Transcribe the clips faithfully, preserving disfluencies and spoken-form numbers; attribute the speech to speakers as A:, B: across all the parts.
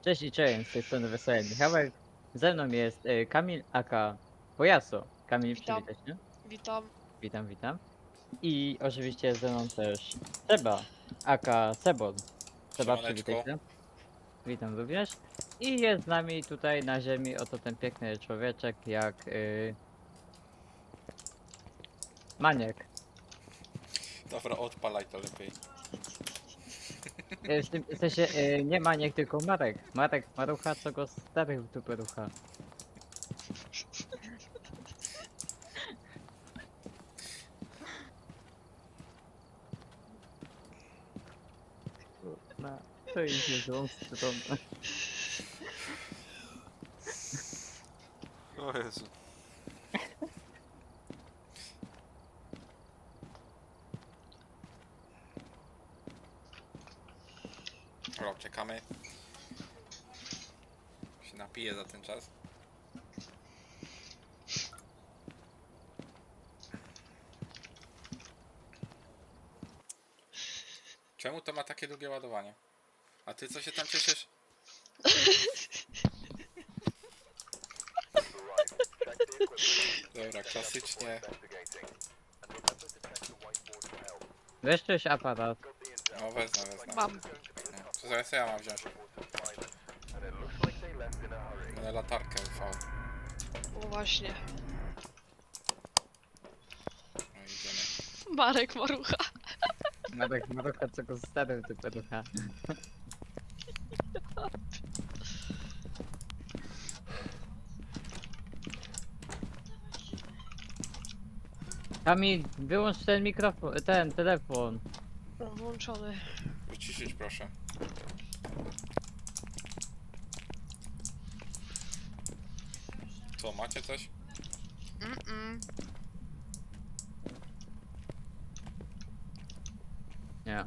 A: Cześć i cześć, z tej strony Wesoły Michałek. Ze mną jest y, Kamil aka Pojaso. Kamil,
B: Witam,
A: przywitaj się.
B: witam.
A: Witam, witam. I oczywiście ze mną też Seba aka Sebon. Seba, przywitaj
C: Siemaneczko.
A: się. Witam również. I jest z nami tutaj na ziemi oto ten piękny człowieczek jak y, Maniek.
C: Dobra, odpalaj to lepiej.
A: Y, W, tym, w sensie y, nie Maniek, tylko Marek. Marek Marucha, co go starych w dupę rucha. No, to idzie złą stroną.
C: O Jezu. Dobra, czekamy. Się napiję za ten czas. Czemu to ma takie długie ładowanie? A ty co się tam cieszysz? Dobra, klasycznie.
A: Weź coś aparat.
C: No wezmę, wezmę.
B: Mam.
C: No, to zaraz ja mam wziąć. Będę latarkę U V.
B: O właśnie.
C: No idziemy.
B: Marek Marucha.
A: Marek Marucha, co go starych w dupę rucha. Kamil, wyłącz ten mikrofon, ten telefon.
B: O, włączony.
C: Wyciszyć proszę. Co, macie coś?
B: Mm -mm.
A: Nie.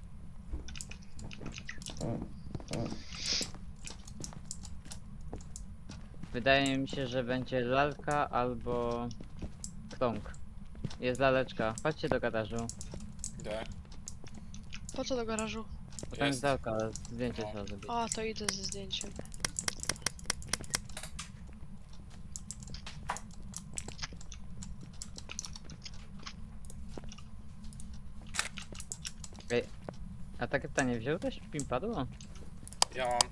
A: Wydaje mi się, że będzie lalka albo krąg. Jest laleczka. Chodźcie do garażu.
C: Idę.
B: Po co do garażu?
A: Bo tam jest
C: Jest.
A: lalka, zdjęcie
C: No.
A: trzeba zrobić.
B: A, to idę ze zdjęciem.
A: A takie pytanie, wziąłeś pimpadło?
C: Ja mam.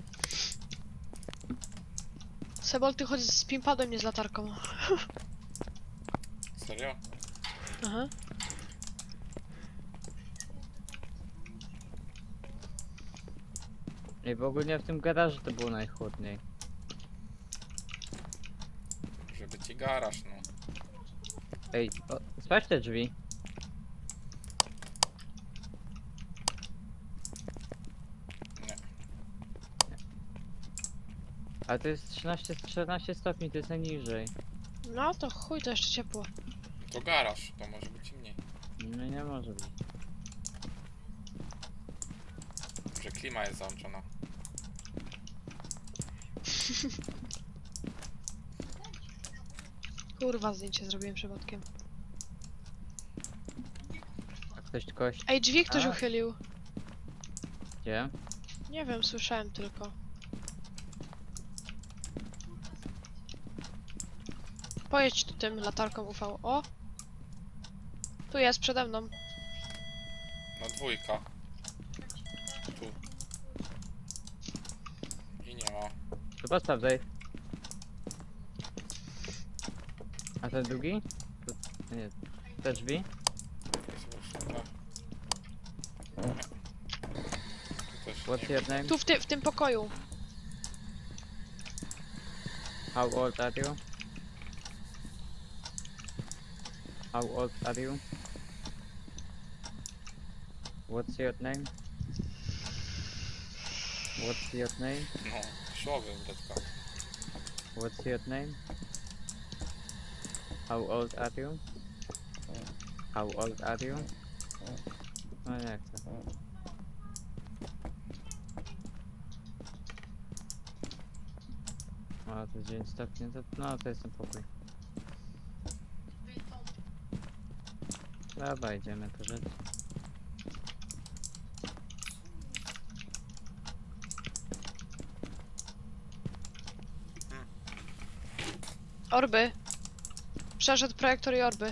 B: Sebol, ty chodź z pimpadem, nie z latarką.
C: Serio?
B: Aha.
A: I w ogóle w tym garażu to było najchłodniej.
C: Żeby ci garaż, no.
A: Ej, o, sprawdź te drzwi.
C: Nie.
A: Ale to jest trzynaście, czternaście stopni, to jest najniżej.
B: No to chuj, to jeszcze ciepło.
C: To garaż, to może być i mniej.
A: No nie może być.
C: Że klima jest załączona.
B: Kurwa, zdjęcie zrobiłem przypadkiem.
A: A ktoś kość
B: Ej, drzwi ktoś
A: A.
B: uchylił.
A: gdzie?
B: Nie wiem, słyszałem tylko. Pojedź tu tym latarką U V. O! Tu jest, przede mną.
C: No dwójka. Tu. I nie ma.
A: To sprawdzaj. A ten drugi? To, to nie, te drzwi?
C: Jest właśnie tak. Tu też
A: What's
C: nie.
A: your name?
B: Tu w, ty w tym pokoju.
A: How old are you? How old are you? What's your name? What's your name?
C: No, szłowy bredka.
A: What's your name? How old are you? How old are you? No nie chcę. O, to jest dziewięć stopni, to, no to jest ten pokój. Dobra, idziemy po rzecz.
B: Orby. Przeszedł projektor i orby.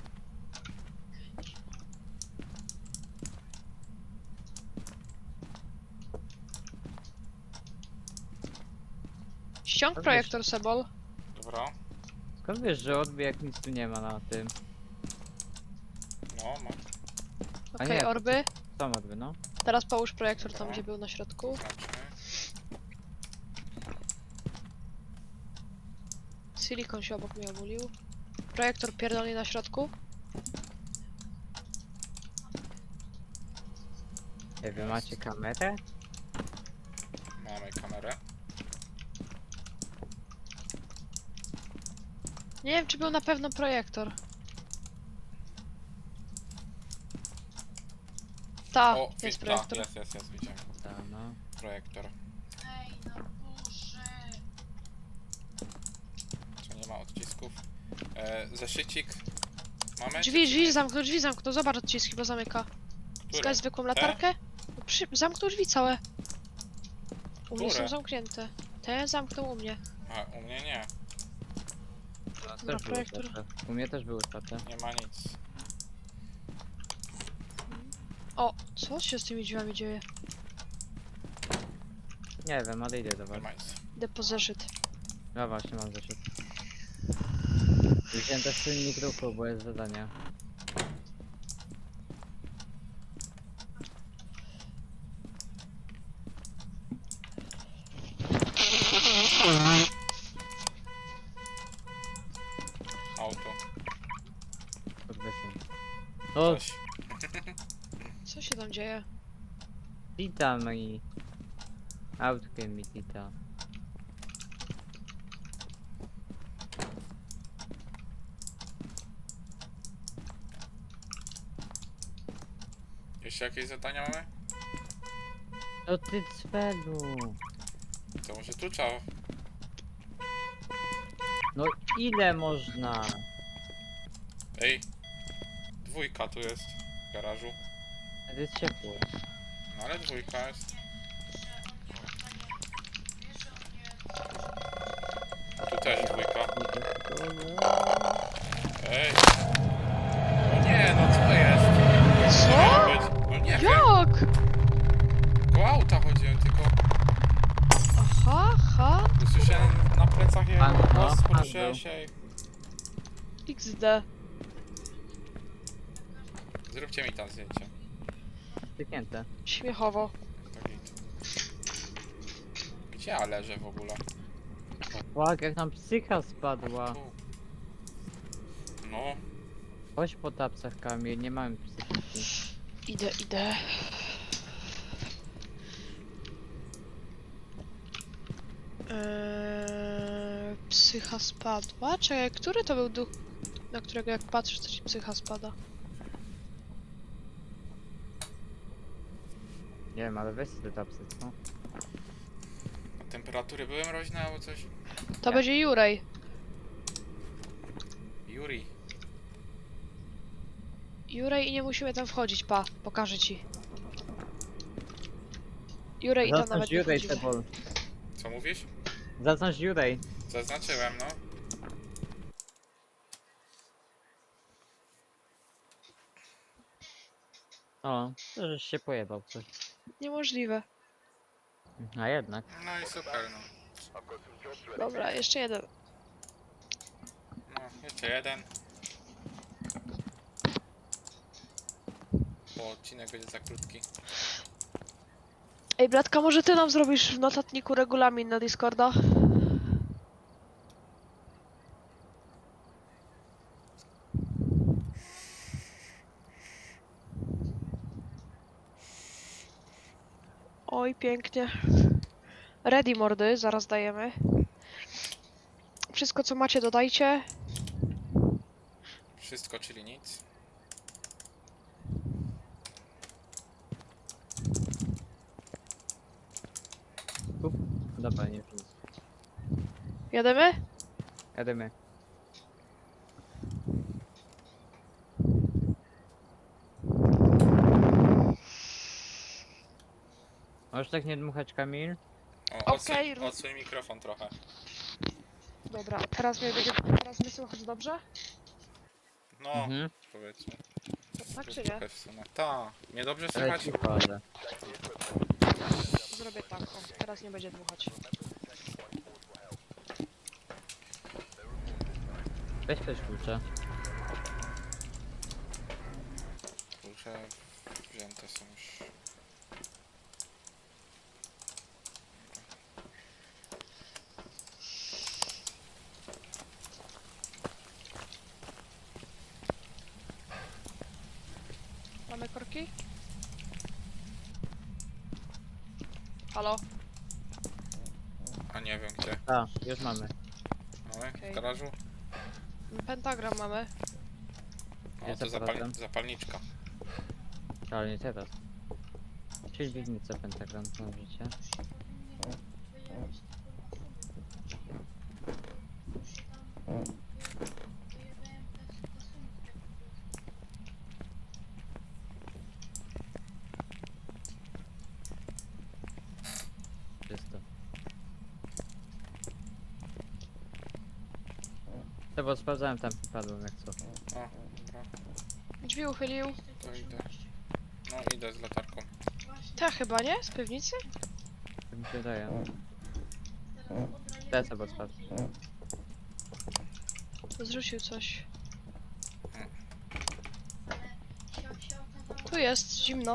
B: Ściąg
A: Orby
B: projektor, Sebol.
C: Dobra.
A: Skąd wiesz, że odbije jak nic tu nie ma na tym?
C: No, masz.
A: A
B: Okej,
A: nie, to
B: orby.
A: Są odby, no.
B: Teraz połóż projektor tam,
C: Dobra.
B: gdzie był na środku.
C: Znaczy.
B: Silikon się obok mnie obulił. Projektor pierdolnie na środku.
A: Nie wy macie kamerę?
C: Mamy kamerę.
B: Nie wiem, czy był na pewno projektor. Ta,
C: O,
B: jest
C: wi-
B: projektor.
C: Jest, jest, jest, widziałem.
A: Tak, no.
C: Projektor. Co nie ma odcisków. E, zeszycik. Mamy?
B: Drzwi,
C: czy- czy
B: drzwi
C: nie?
B: zamknął, drzwi zamknął. Zobacz odciski, bo zamyka.
C: Które?
B: Skać zwykłą
C: Te?
B: latarkę? Przy... Zamknął drzwi całe. U mnie są
C: Które?
B: zamknięte. Te zamknął u mnie.
C: A, u mnie nie.
A: To
B: Dobra,
A: też było
B: projektor.
A: otwarte. U mnie też były otwarte.
C: Nie ma nic.
B: O, co się z tymi drzwiami dzieje?
A: Nie wiem, ale idę do
C: Nie
A: was.
C: ma nic.
B: Depo zeszyt.
A: No właśnie, mam zeszyt. Wziąłem też silnik ruchu, bo jest zadanie.
C: Auto.
A: Pod wysym. O,
C: Coś.
B: Co się tam dzieje?
A: tita mi. Autkiem mi tita.
C: Jeszcze jakieś zadania mamy?
A: No ty cwelu.
C: To może tu trzeba.
A: No ile można?
C: Ej. Dwójka tu jest. W garażu.
A: To jest ciepło.
C: No ale dwójka jest. Tu też dwójka. Ej. No nie, no co jest?
B: Co?
C: Być- No nie wiem.
B: Jak?
C: Koło auta chodziłem, tylko
B: Aha, ha.
C: usłyszałem na plecach jego
A: Pan- no,
C: głos,
A: pan
C: poruszyłem
A: był.
C: się i...
B: iks de.
C: Zróbcie mi tam zdjęcie.
A: Styknięte.
B: Śmiechowo.
C: To git. Gdzie ja leżę w ogóle?
A: Fuck, jak nam psycha spadła.
C: Tu. No,
A: Chodź po tapcach, Kamil, nie mamy psychiki.
B: Idę, idę. Eee, psycha spadła? Czekaj, który to był duch, na którego jak patrzysz, to ci psycha spada?
A: Nie wiem, ale weź sobie te tapsy, co?
C: a temperatury były mroźne albo coś?
B: To
A: Nie.
B: będzie Jurej.
C: Yuri.
B: Jurej i nie musimy tam wchodzić, pa, pokażę ci. Jurej i tam
A: Zaznacz
B: nawet nie
A: Jurej,
B: wchodzimy.
A: Sebol.
C: Co mówisz?
A: Zaznacz Jurej.
C: Zaznaczyłem, no.
A: O, to żeś się pojebał coś.
B: Niemożliwe.
A: A jednak.
C: No i super, no.
B: Dobra, jeszcze jeden.
C: No, jeszcze jeden. Bo odcinek będzie za krótki.
B: Ej, bratka, może ty nam zrobisz w notatniku regulamin na Discorda? Oj, pięknie. Ready, mordy, zaraz dajemy. Wszystko, co macie, dodajcie.
C: Wszystko, czyli nic.
A: Kup. Dobra, nie wiem.
B: Jademy?
A: Jedziemy. Możesz tak nie dmuchać, Kamil?
C: O, odsuń,
B: Okej, rób-
C: odsuń mikrofon trochę.
B: Dobra, teraz mnie będzie, teraz mnie słychać dobrze?
C: No,
A: Mhm.
C: powiedzmy.
B: Tak
C: To
B: czy nie?
C: trochę w sumie. Ta, mnie dobrze
A: Ale
C: słychać?
A: cicho, ale...
B: Zrobię tak, o, teraz nie będzie dmuchać.
A: Weź też klucze.
C: Klucze wzięte są już.
B: Mamy korki? Halo?
C: A nie wiem gdzie.
A: A, już mamy.
C: Mamy?
B: Okej.
C: W garażu?
B: Pentagram mamy.
C: O,
A: Jest
C: to zapal
A: aparatem.
C: zapalniczka.
A: Ale nie teraz. Czyli piwnica pentagram, możecie. Czysto. To bo sprawdzałem tam, padłem jak co.
C: O, dobra,
B: Drzwi uchylił.
C: to idę. No, idę z latarką.
B: Ta chyba, nie? Z piwnicy?
A: Tak mi się wydaje. Teraz chyba sprawdź.
B: Zrzucił coś. Tu jest, zimno.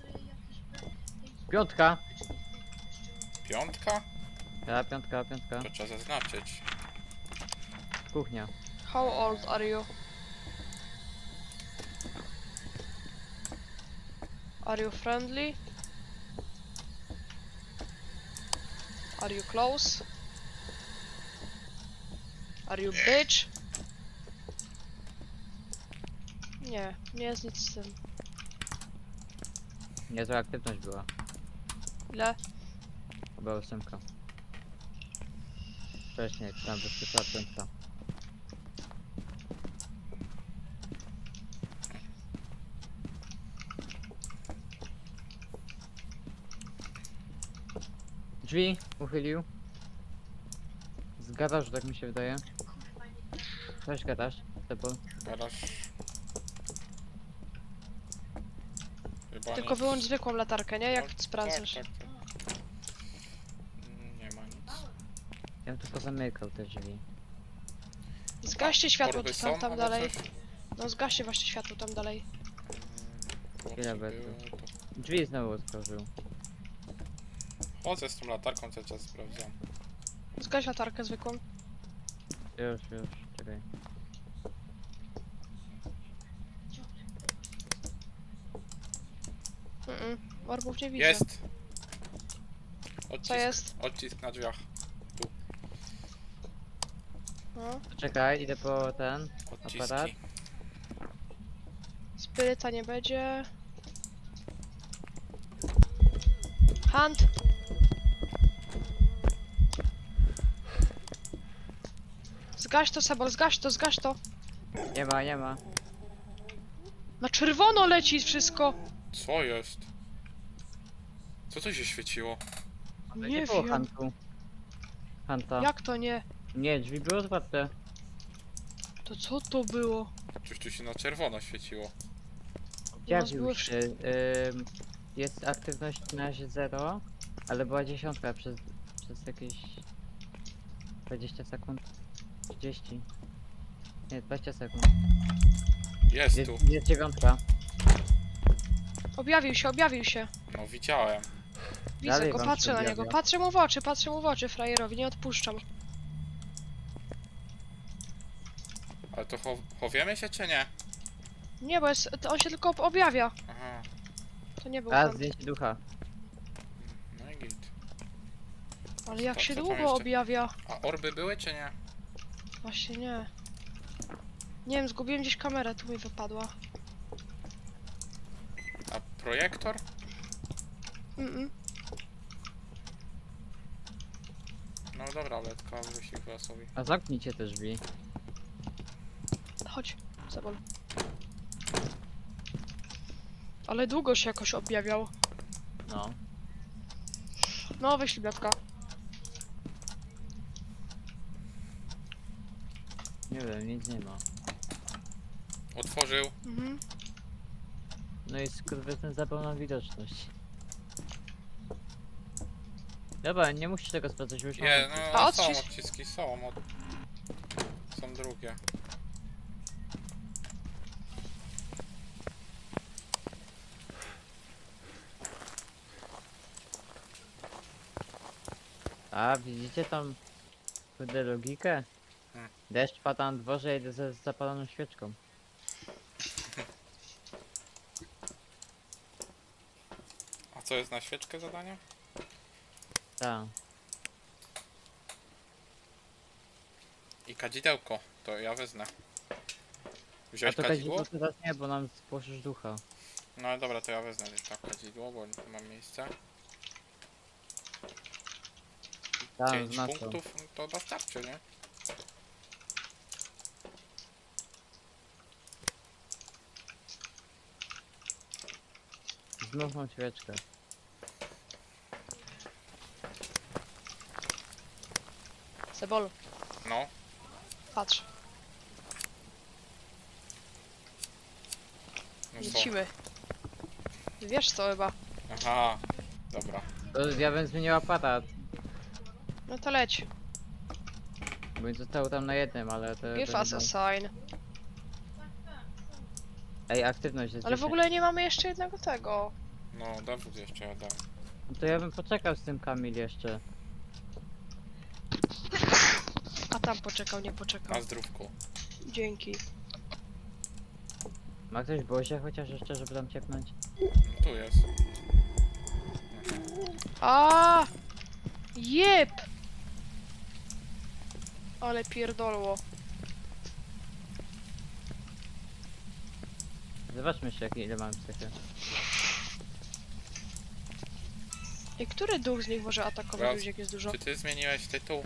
A: Piątka!
C: Piątka?
A: Ja, piątka, piątka.
C: To trzeba zaznaczyć.
A: Kuchnia.
B: How old are you? Are you friendly? Are you close? Are you bitch? Nie, nie jest nic z tym.
A: Niezła aktywność była.
B: Ile?
A: Chyba ósemka. Wcześniej, tam wyskoczyła piątka. Drzwi uchylił. Z garażu, tak mi się wydaje. Weź garaż, Tebo.
C: Garaż. Chyba
B: Tylko
C: nic.
B: wyłącz zwykłą latarkę, nie? Jak
C: No,
B: sprawdzasz.
C: Tak, tak, tak. Mm, Nie ma nic.
A: Ja bym tylko zamykał te drzwi.
B: Zgaście światło
C: Torby
B: tu tam,
C: są
B: tam
C: albo
B: dalej.
C: coś?
B: No zgaście właśnie światło tam dalej.
C: Mm,
A: Ile
C: bo
A: będzie?
C: było to-
A: Drzwi znowu otworzył.
C: Chodzę z tą latarką, cały czas sprawdzam.
B: Zgaś latarkę zwykłą.
A: Już, już, czekaj.
B: Mm, orbów nie widzę.
C: Jest! Odcisk,
B: Co jest?
C: Odcisk na drzwiach.
B: No.
A: Czekaj, idę po ten.
C: Odciski.
A: Aparat?
B: Spiryta nie będzie. Hunt! Zgaś to, Sebol, zgaś to, zgaś to!
A: Nie ma, nie ma.
B: Na czerwono leci wszystko!
C: Co jest? Co to się świeciło?
A: Ale
B: Nie
A: było
B: wiem.
A: Huntu. Hanta.
B: Jak to nie?
A: Nie, drzwi były otwarte.
B: To co to było?
C: Coś tu się na czerwono świeciło.
B: U nas
A: Zjawił
B: były
A: się. Ym, jest aktywność na razie zero, ale była dziesiątka przez, przez jakieś dwadzieścia sekund. trzydzieści. Nie, dwadzieścia sekund.
C: Jest
A: Jest,
C: tu.
A: jest dziewiątka.
B: Objawił się, objawił się.
C: No widziałem.
B: Widzę
A: Dalej
B: go,
A: wam
B: patrzę
A: się
B: na niego.
A: objawia.
B: Patrzę mu w oczy, patrzę mu w oczy, frajerowi, nie odpuszczam.
C: Ale to chow chowiemy się czy nie?
B: Nie, bo jest, to on się tylko objawia.
C: Aha.
B: To nie był
A: A,
B: hunt.
A: zdjęcie ducha.
C: No i git.
B: Ale jak
C: Co-
B: się
C: co tam
B: długo
C: jeszcze?
B: objawia.
C: A orby były czy nie?
B: Właśnie nie. Nie wiem, zgubiłem gdzieś kamerę, tu mi wypadła.
C: A projektor?
B: Mm -mm.
C: No dobra, ale tylko wyścig chyba sobie.
A: A zamknijcie te drzwi.
B: Chodź, Sebol. Ale długo się jakoś objawiał.
A: No.
B: No, wyślij Blatka.
A: Nie wiem, nic nie ma.
C: Otworzył.
B: Mhm.
A: No i skurwysyn zabrał nam widoczność. Dobra, nie musisz tego sprawdzać, już mam
C: Nie,
A: odcisk.
C: no
B: A
C: są
B: odcisk?
C: odciski, są. Od... Są drugie.
A: A, widzicie tam kurde logikę?
C: Hmm.
A: Deszcz pada na dworze, jedę ze z zapaloną świeczką.
C: A co jest na świeczkę zadanie?
A: Tak.
C: I kadzidełko. To ja wezmę.
A: A
C: Wziąłeś
A: to
C: kadzidło?
A: kadzidło teraz nie, bo nam spłoszysz ducha.
C: No dobra, to ja wezmę tak kadzidło, bo tu mam miejsce.
A: Tak,
C: pięć
A: z masą.
C: punktów, no to dostarczy, nie?
A: Znów mam świeczkę.
B: Sebol,
C: No.
B: patrz.
C: No co?
B: Lecimy. Wiesz co chyba.
C: Aha. Dobra.
A: To ja bym zmienił aparat,
B: No to leć.
A: bo został tam na jednym, ale to...
B: Give
A: to
B: us
A: nie
B: a
A: ma-
B: sign.
A: Ej, aktywność jest
B: Ale w
A: dziesięć.
B: ogóle nie mamy jeszcze jednego tego.
C: No, dowód jeszcze ja dam.
A: No to ja bym poczekał z tym Kamil jeszcze.
B: A tam poczekał, nie poczekał.
C: Na zdrówku.
B: Dzięki.
A: Ma ktoś Bozie chociaż jeszcze, żeby tam ciepnąć?
C: No tu jest.
B: A! Jeb! Ale pierdolło.
A: Zobaczmy jeszcze jakie, ile mam psychy.
B: I który duch z nich może atakować
C: Raz.
B: ludzi, jak jest dużo?
C: Czy ty zmieniłeś tytuł?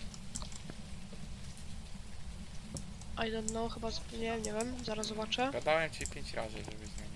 B: I don't know, chyba z... nie, nie wiem, zaraz zobaczę.
C: Gadałem ci pięć razy, żeby zmienił.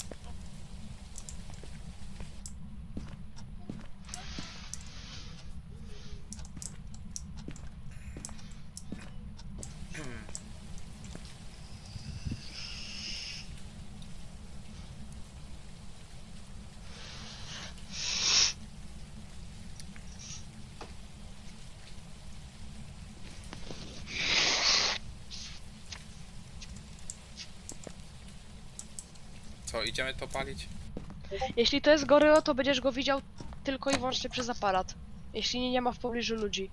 C: Co, idziemy to palić?
B: Jeśli to jest goryło, to będziesz go widział tylko i wyłącznie przez aparat. Jeśli nie, nie ma w pobliżu ludzi.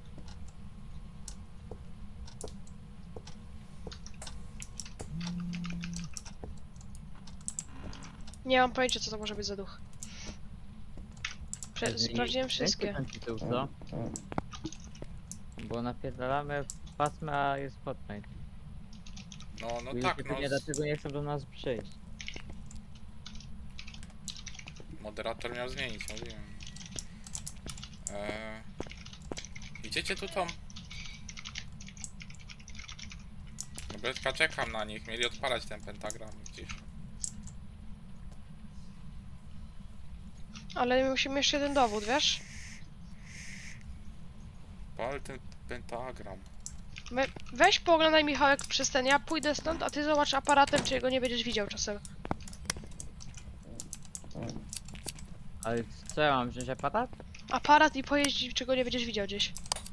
B: Nie mam pojęcia, co to może być za duch. Prze
A: Zmieni-
B: sprawdziłem
A: zmieńcie
B: wszystkie.
A: ten tytuł, co? Bo napierdalamy w pasmę, a jest Fortnite.
C: No, no
A: Ludzie
C: tak, no.
A: pewnie dlatego nie chcą do nas przyjść.
C: Moderator miał zmienić, mówiłem. Eee, idziecie tu tą? No Betka, czekam na nich, mieli odpalać ten pentagram gdzieś.
B: Ale musimy jeszcze jeden dowód, wiesz?
C: Pal ten pentagram.
B: My, weź pooglądaj Michałek przez ten, ja pójdę stąd, a ty zobacz aparatem, czy go nie będziesz widział czasem.
A: Ale co ja mam wziąć aparat?
B: Aparat i pojeździć, czy go nie będziesz widział gdzieś.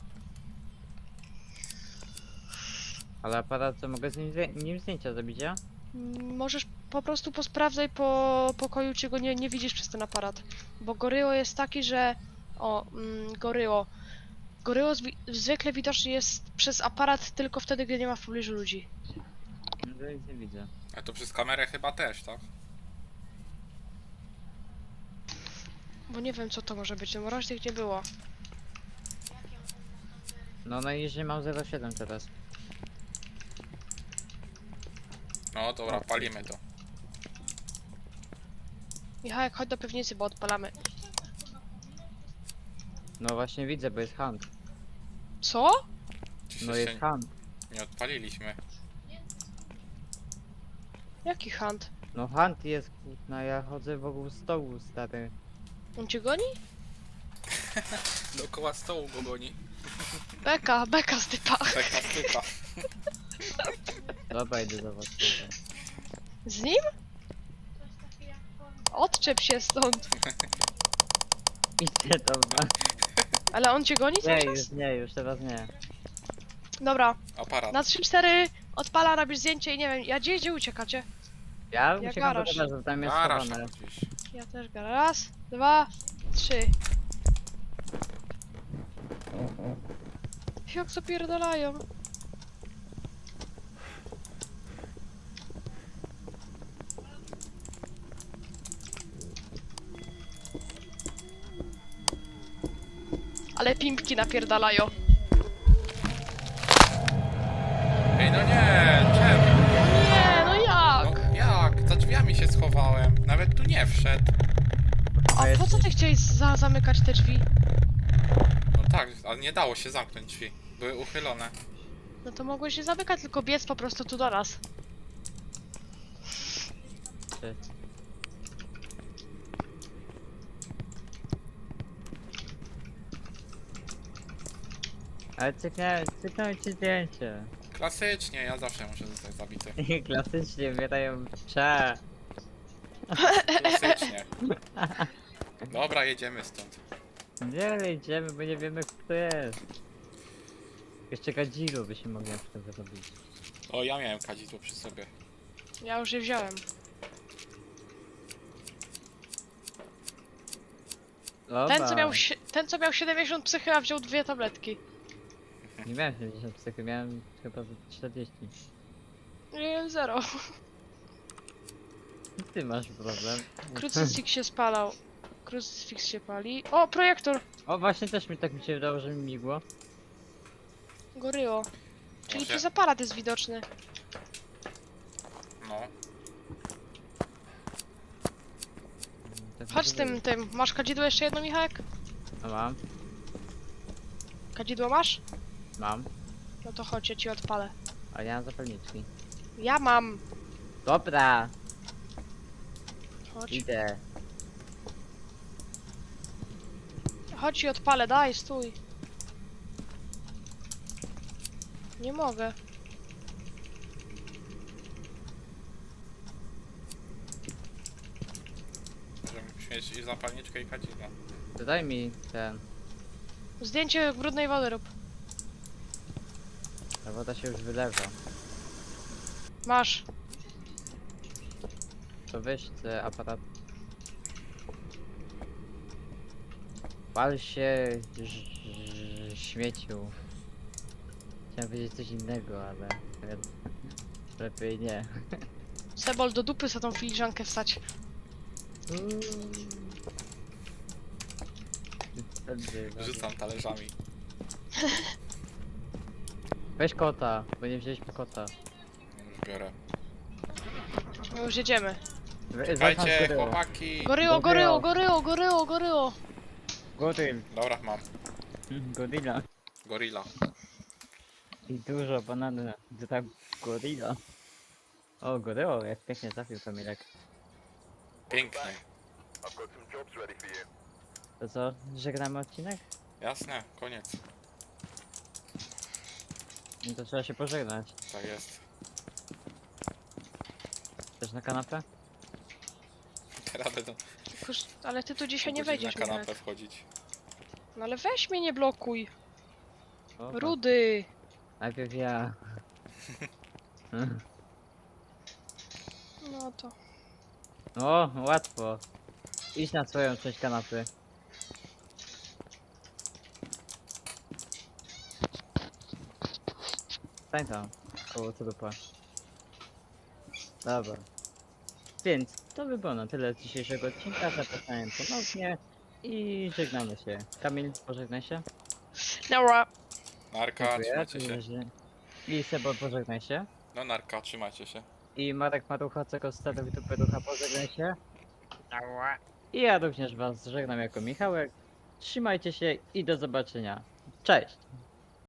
A: Ale aparat co mogę z nim, zdję- nim zdjęcia zrobić, ja?
B: Mm, Możesz po prostu posprawdzaj po pokoju, czy go nie, nie widzisz przez ten aparat. Bo goryło jest taki, że... O, mm, goryło. Goryło zwi zwykle widoczny jest przez aparat tylko wtedy, gdy nie ma w pobliżu ludzi.
A: No to nic nie widzę.
C: A to przez kamerę chyba też, tak?
B: Bo nie wiem, co to może być, no raczej tych nie było.
A: No najniżej mam zero przecinek siedem teraz.
C: No dobra, palimy to.
B: Michałek, chodź do piwnicy, bo odpalamy.
A: No właśnie widzę, bo jest hunt.
B: Co?
C: Czy
A: No
C: się
A: jest hunt.
C: nie odpaliliśmy?
B: Jaki hunt?
A: No hunt jest, no ja chodzę wokół stołu, stary.
B: On cię goni?
C: Dookoła stołu go goni.
B: Beka, beka z typa.
C: Taka stypa.
A: Dobra, idę do was. Dobra.
B: Z nim? Odczep się stąd.
A: Idę dobra.
B: Ale on cię goni cały
A: Nie,
B: czas?
A: już nie, już teraz nie.
B: Dobra,
C: Aparat.
B: na trzy cztery odpala, robisz zdjęcie i nie wiem, ja gdzie, gdzie uciekacie?
A: Ja
B: Ja
A: uciekam do
B: garaż.
A: garażu, tam jest
C: Garaż
A: schowane.
C: tam gdzieś.
B: Ja też gara. Raz, dwa, trzy. Jak zapierdalają. Ale pimpki napierdalają.
C: Ej, no nie, czemu?
B: Nie, no jak?
C: No jak? Za drzwiami się schowałem. Nawet tu nie wszedł.
B: A po co ty chciałeś za zamykać te drzwi?
C: No tak, ale nie dało się zamknąć drzwi. Były uchylone.
B: No to mogłeś się zamykać, tylko biec po prostu tu do nas.
A: Ty. Ale cyknąłem, cyknąłem ci zdjęcie.
C: Klasycznie, ja zawsze muszę zostać zabity.
A: I klasycznie wydają cze.
C: Klasycznie. Dobra, jedziemy stąd.
A: Nie, ale idziemy, bo nie wiemy kto to jest. Jeszcze Gadzilu byśmy mogli na przykład zrobić.
C: O, ja miałem kadzidło przy sobie.
B: Ja już je wziąłem.
A: Dobra.
B: Ten co miał, sie- ten, co miał siedemdziesiąt psychy, a wziął dwie tabletki.
A: Nie miałem siedemdziesiąt psychy, miałem chyba czterdzieści.
B: Nie, zero.
A: Ty masz problem.
B: Krucyfix się spalał. Krucyfix się pali. O, projektor!
A: O, właśnie też mi tak mi się wydało, że mi migło.
B: Goryło. Czyli
C: Może-
B: przez aparat jest widoczny.
C: No.
A: Tak mi
B: Chodź
A: się
B: z tym,
A: wydaje.
B: tym. Masz kadzidło jeszcze jedno, Michałek?
A: No mam,
B: Kadzidło masz?
A: mam.
B: No to chodź, ja ci odpalę.
A: A ja mam zapalniczki.
B: Ja mam!
A: Dobra,
B: Chodź.
A: idę.
B: Chodź i odpalę, daj, stój. Nie mogę.
C: Możemy mieć i zapalniczkę i kadzidło.
A: To daj mi ten.
B: Zdjęcie brudnej wody rób.
A: Ta woda się już wylewa.
B: Masz.
A: To weź ten aparat. Pal się ż- ż- śmieciu. Chciałem powiedzieć coś innego, ale lepiej nie.
B: Sebol, do dupy za tą filiżankę wstać.
C: Rzucam talerzami.
A: Weź kota, bo nie wzięliśmy kota.
C: Już biorę.
B: My już jedziemy.
A: We-
C: Czekajcie,
A: zacznij od góry.
C: chłopaki!
B: Goryło,
A: Goryło.
B: goryło, goryło, goryło, goryło.
A: Goryl.
C: Dobra, mam.
A: Gorilla.
C: Gorilla.
A: I dużo banany. To tak gorilla. O, goryło, jak pięknie trafił Kamilek.
C: Pięknie.
A: To co, żegnamy odcinek?
C: Jasne, koniec.
A: No to trzeba się pożegnać.
C: Tak jest.
A: Też na kanapę?
C: Teraz będą
B: Kurz, ale ty tu dzisiaj nie
C: godzin
B: wejdziesz,
C: na kanapę
B: Michałek.
C: wchodzić.
B: No ale weź mnie, nie blokuj.
A: O,
B: Rudy.
A: najpierw ja.
B: No to.
A: O, łatwo. Idź na swoją część kanapy. Stań tam, koło co dupa. Dobra. Więc to by było na tyle z dzisiejszego odcinka. Zapraszam ponownie i żegnamy się. Kamil, pożegnaj się.
B: Dobra.
C: Narka,
A: Dziękuję.
C: trzymajcie się.
A: I Sebo, pożegnaj się.
C: No narka, trzymajcie się.
A: I Marek Marucha, co stado w ducha, pożegnaj się. I ja również was żegnam jako Michałek. Trzymajcie się i do zobaczenia. Cześć!